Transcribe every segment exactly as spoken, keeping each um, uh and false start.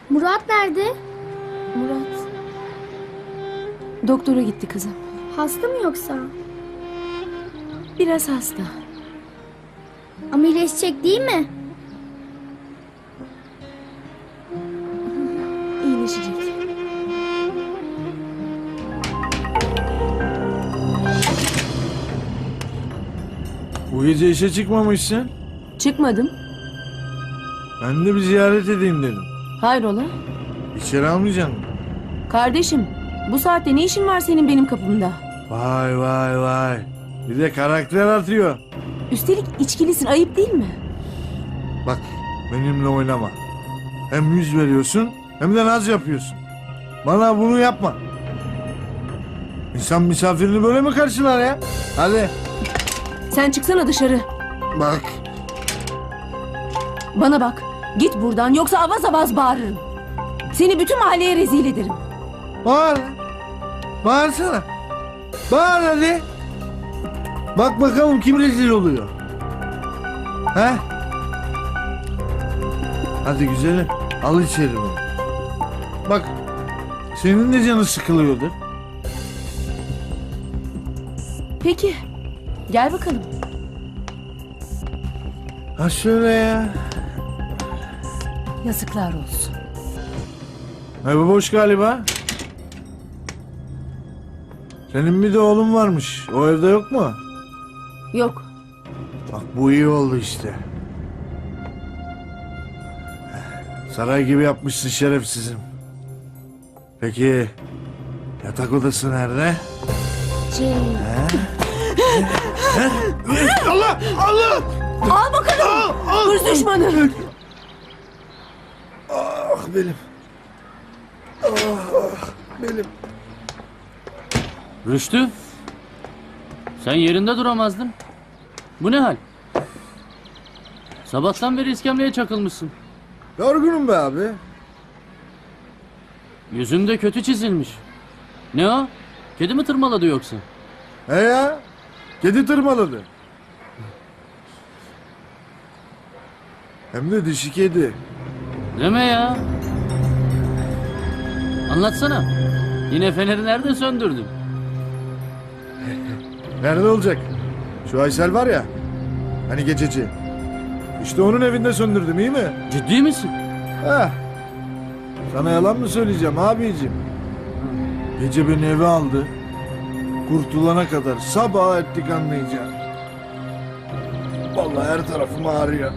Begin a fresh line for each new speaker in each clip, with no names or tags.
Murat nerede?
Murat. Doktora gitti kızım.
Hasta mı yoksa?
Biraz hasta.
Ama iyileşecek değil mi?
İyileşecek.
Bu gece işe çıkmamışsın.
Çıkmadım.
Ben de bir ziyaret edeyim dedim.
Hayrola?
İçeri almayacaksın mı?
Kardeşim, bu saatte ne işin var senin benim kapımda?
Vay vay vay. Bir de karakter atıyor.
Üstelik içkilisin, ayıp değil mi?
Bak benimle oynama. Hem yüz veriyorsun hem de naz yapıyorsun. Bana bunu yapma. İnsan misafirini böyle mi karşılar ya? Hadi.
Sen çıksana dışarı.
Bak.
Bana bak. Git buradan yoksa avaz avaz bağırırım. Seni bütün mahalleye rezil ederim.
Bağır. Bağırsana. Bağır hadi. Bak bakalım kim rezil oluyor. He? Hadi güzelim. Al içeri beni. Bak. Senin de canı sıkılıyordur.
Peki. Gel bakalım.
Ha şöyle ya.
Yazıklar olsun.
Ev boş galiba. Senin bir de oğlun varmış. O evde yok mu?
Yok.
Bak bu iyi oldu işte. Saray gibi yapmışsın şerefsizim. Peki yatak odası nerede?
Şey...
Allah! Allah!
Al bakalım. Hırs düşmanı.
Ah benim. Ah, ah benim.
Rüştü, sen yerinde duramazdın. Bu ne hal? Sabahtan beri iskemleye çakılmışsın.
Yorgunum be abi.
Yüzünde kötü çizilmiş. Ne o? Kedi mi tırmaladı yoksa?
He ya. Kedi tırmaladı. Hem de dişi kedi.
Deme ya. Anlatsana. Yine feneri nerede söndürdün?
Nerede olacak? Şu Aysel var ya. Hani gececi. İşte onun evinde söndürdüm, iyi mi?
Ciddi misin?
Heh. Sana yalan mı söyleyeceğim abicim? Gece beni eve aldı. Kurtulana kadar sabah ettik anlayacağım. Vallahi her tarafım ağrıyor.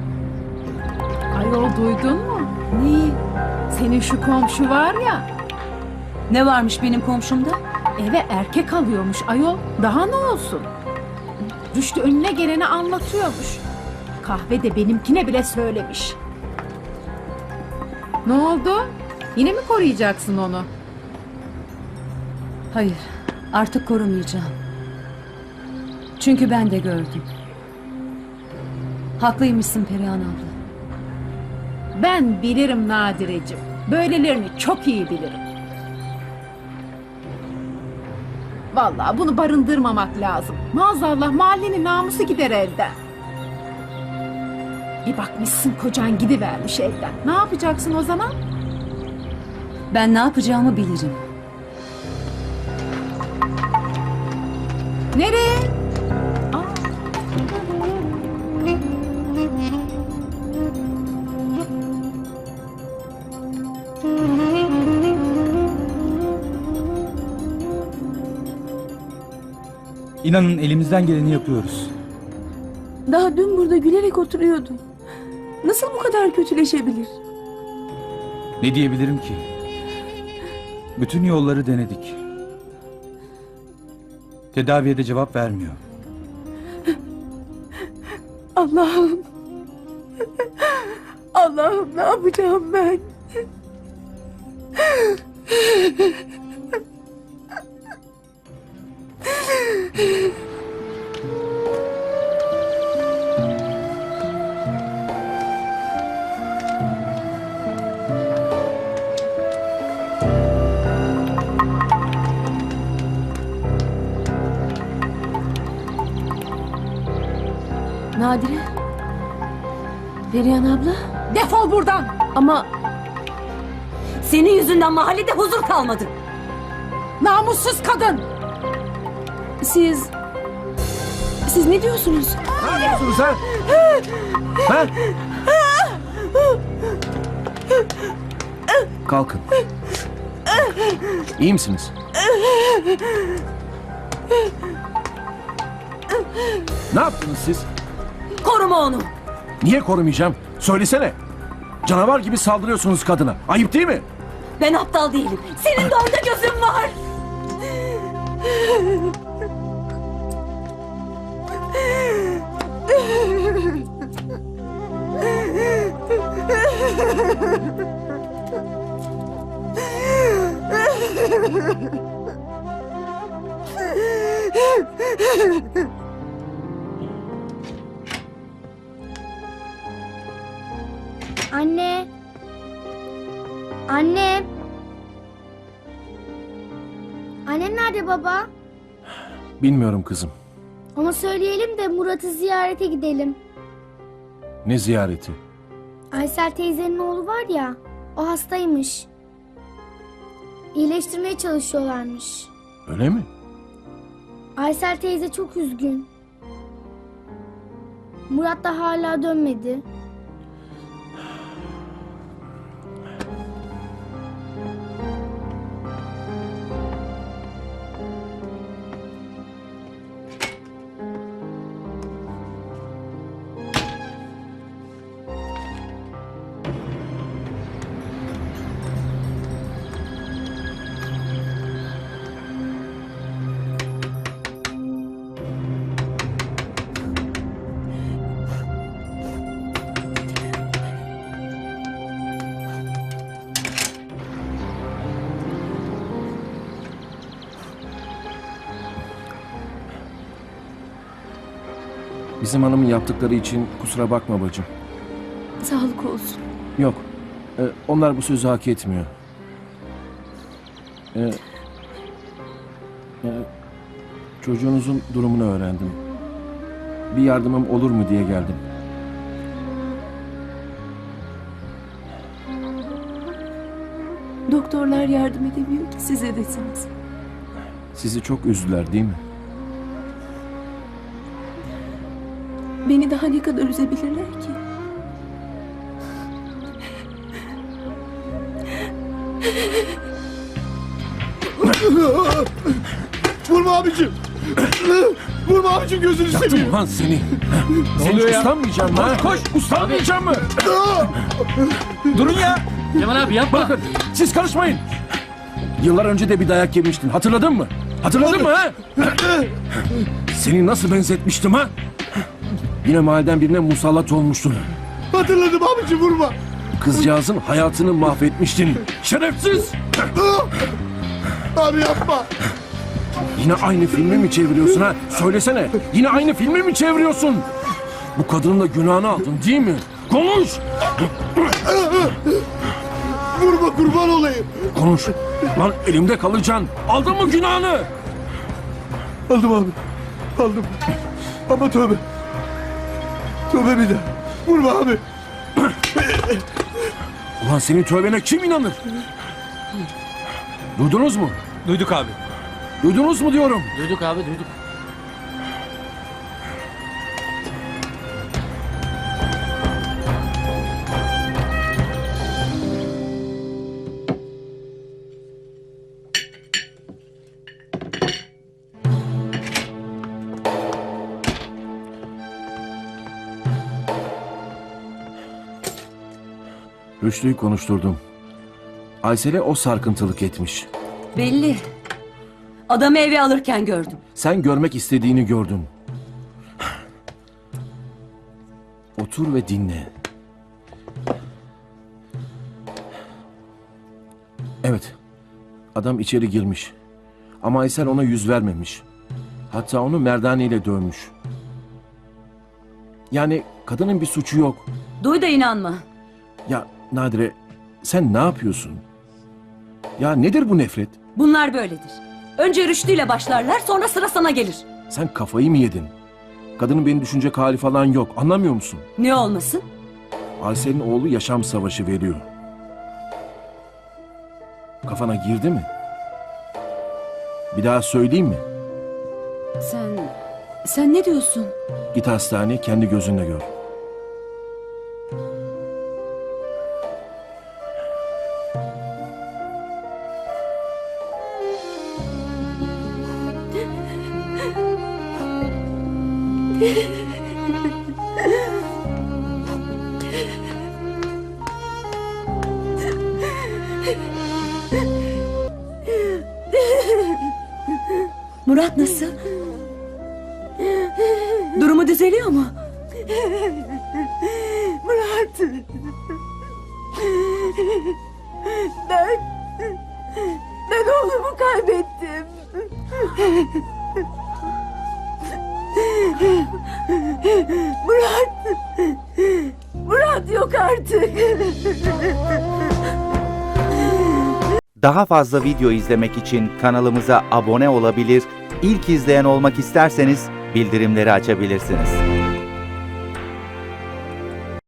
Ayol duydun mu? Neyi? Senin şu komşu var ya,
Ne varmış benim komşumda?
eve erkek alıyormuş ayol. Daha ne olsun? Rüştü önüne geleni anlatıyormuş. Kahvede benimkine bile söylemiş. Ne oldu? Yine mi koruyacaksın onu?
Hayır. Artık korumayacağım. Çünkü ben de gördüm. Haklıymışsın Perihan abla.
Ben bilirim Nadirecim. Böylelerini çok iyi bilirim. Vallahi bunu barındırmamak lazım. Maazallah mahallenin namusu gider elden. Bir bakmışsın kocan gidivermiş evden. Ne yapacaksın o zaman?
Ben ne yapacağımı bilirim.
Nereye? Aa.
İnanın elimizden geleni yapıyoruz.
Daha dün burada gülerek oturuyordu. Nasıl bu kadar kötüleşebilir?
Ne diyebilirim ki? Bütün yolları denedik. Tedaviye de cevap vermiyor.
Allah'ım. Allah'ım ne yapacağım ben? Nadire? Perihan abla?
Defol buradan.
Ama
Senin yüzünden mahallede huzur kalmadı.
Namussuz kadın!
Siz... Siz ne diyorsunuz?
Ne yapıyorsunuz ha? Ha? Kalkın. İyi misiniz? Ne yaptınız siz?
Koruma onu.
Niye korumayacağım? Söylesene. Canavar gibi saldırıyorsunuz kadına. Ayıp değil mi?
Ben aptal değilim. Senin de orada gözün var.
Anne. Anne. Annen nerede baba?
Bilmiyorum kızım.
Ona söyleyelim de Murat'ı ziyarete gidelim.
Ne ziyareti?
Aysel teyzenin oğlu var ya, o hastaymış. İyileştirmeye çalışıyorlarmış.
Öyle mi?
Aysel teyze çok üzgün. Murat da hala dönmedi.
Bizim hanımın yaptıkları için kusura bakma bacım.
Sağlık olsun.
Yok. e, onlar bu sözü hak etmiyor. E, e, çocuğunuzun durumunu öğrendim. Bir yardımım olur mu diye geldim.
Doktorlar yardım edemiyor ki siz edesiniz.
Sizi çok üzdüler değil mi?
Beni daha ne kadar üzebilirler ki?
Vurma abicim. Vurma abicim, gözünü seveyim.
Yaktım lan seni. Seni hiç uslanmayacağım mı? Koş, uslanmayacağım mı? Durun ya.
Kemal abi yapma.
Bakın, siz karışmayın. Yıllar önce de bir dayak yemiştin. Hatırladın mı? Hatırladın mı ha? Seni nasıl benzetmiştim ha? Yine mahalleden birine musallat olmuştun.
Hatırladım abicim, vurma.
Kızcağızın hayatını mahvetmiştin. Şerefsiz!
Abi yapma.
Yine aynı filmi mi çeviriyorsun ha? Söylesene. Yine aynı filmi mi çeviriyorsun? Bu kadının da günahını aldın değil mi? Konuş!
Vurma, kurban olayım.
Konuş. Lan elimde kalacaksın. Aldın mı günahını?
Aldım abi. Aldım. Ama tövbe. Tövbe bir daha. Vurma abi.
Ulan senin tövbene kim inanır? Duydunuz mu?
Duyduk abi.
Duydunuz mu diyorum.
Duyduk abi duyduk.
Rüştü'yü konuşturdum. Aysel'e o sarkıntılık etmiş.
Belli. Adamı eve alırken gördüm.
Sen görmek istediğini gördün. Otur ve dinle. Evet. Adam içeri girmiş. Ama Aysel ona yüz vermemiş. Hatta onu merdane dövmüş. Yani kadının bir suçu yok.
Duy da inanma.
Ya Nadire, sen ne yapıyorsun? Ya nedir bu nefret?
Bunlar böyledir. Önce rüştüyle başlarlar, sonra sıra sana gelir.
Sen kafayı mı yedin? Kadının beni düşünecek hali falan yok. Anlamıyor musun?
Ne olmasın?
Aysel'in oğlu yaşam savaşı veriyor. kafana girdi mi? Bir daha söyleyeyim mi?
Sen... Sen ne diyorsun?
Git hastaneye kendi gözünle gör.
Murat nasıl? Durumu düzeliyor mu?
Murat. Ben... Ben oğlumu kaybettim. Murat. Murat yok artık.
Daha fazla video izlemek için kanalımıza abone olabilir, ilk izleyen olmak isterseniz bildirimleri açabilirsiniz.